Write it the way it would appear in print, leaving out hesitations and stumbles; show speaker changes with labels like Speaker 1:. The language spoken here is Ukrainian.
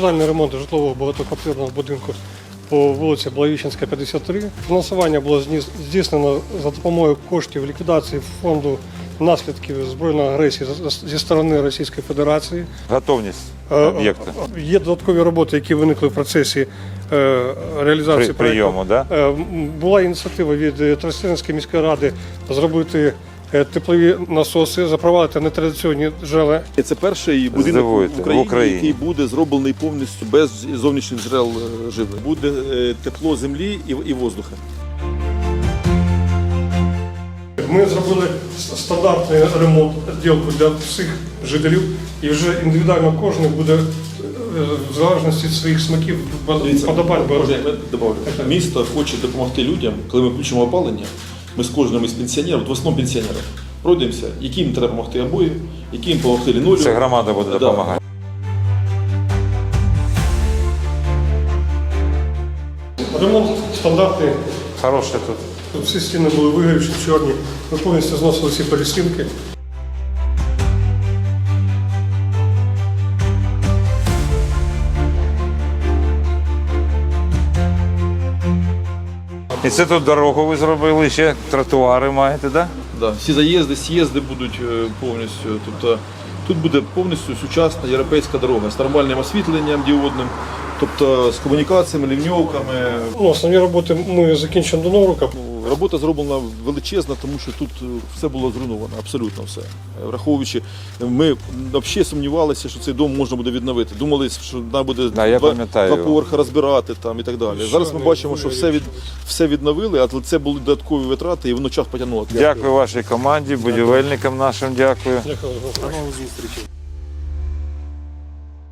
Speaker 1: Капітальний ремонт житлового багатоквартирного будинку по вулиці Благовіщенська, 53. Фінансування було здійснено за допомогою коштів ліквідації фонду наслідків збройної агресії зі сторони Російської Федерації.
Speaker 2: Готовність об'єкту.
Speaker 1: Є додаткові роботи, які виникли в процесі реалізації
Speaker 2: прийому. Да?
Speaker 1: Була ініціатива від Тростянецької міської ради зробити теплові насоси, запровадити нетрадиційні джерела.
Speaker 3: Це перший будинок в Україні, який буде зроблений повністю без зовнішніх джерел живлення. Буде тепло землі і воздуха.
Speaker 1: Ми зробили стандартний ремонт відділку для всіх жителів, і вже індивідуально кожен буде в залежності від своїх смаків подобань.
Speaker 3: Місто хоче допомогти людям, коли ми включимо опалення. Ми з кожним із пенсіонерів, в основному пенсіонерів, пройдемося, яким треба допомогти обоє, яким допомогти лінолею.
Speaker 2: Це громада буде допомагати.
Speaker 1: Ремонт стандартний.
Speaker 2: Хороший тут.
Speaker 1: Тут всі стіни були вигорівші, чорні. Ми повністю зносили всі перестінки.
Speaker 2: І це тут дорогу ви зробили, ще тротуари маєте, так? Да?
Speaker 3: Да, всі заїзди, з'їзди будуть повністю. Тобто, тут буде повністю сучасна європейська дорога з нормальним освітленням діодним, тобто з комунікаціями, лівньовками.
Speaker 1: Основні роботи ми закінчимо до Нового року.
Speaker 3: Робота зроблена величезна, тому що тут все було зруйновано, абсолютно все. Враховуючи, ми взагалі сумнівалися, що цей дом можна буде відновити. Думали, що треба буде два поверхи розбирати там, і так далі. Зараз ми бачимо, що все відновили, але це були додаткові витрати і воно час потягнуло.
Speaker 2: Дякую вашій команді, будівельникам нашим дякую.
Speaker 1: Дякую. До нових зустрічей.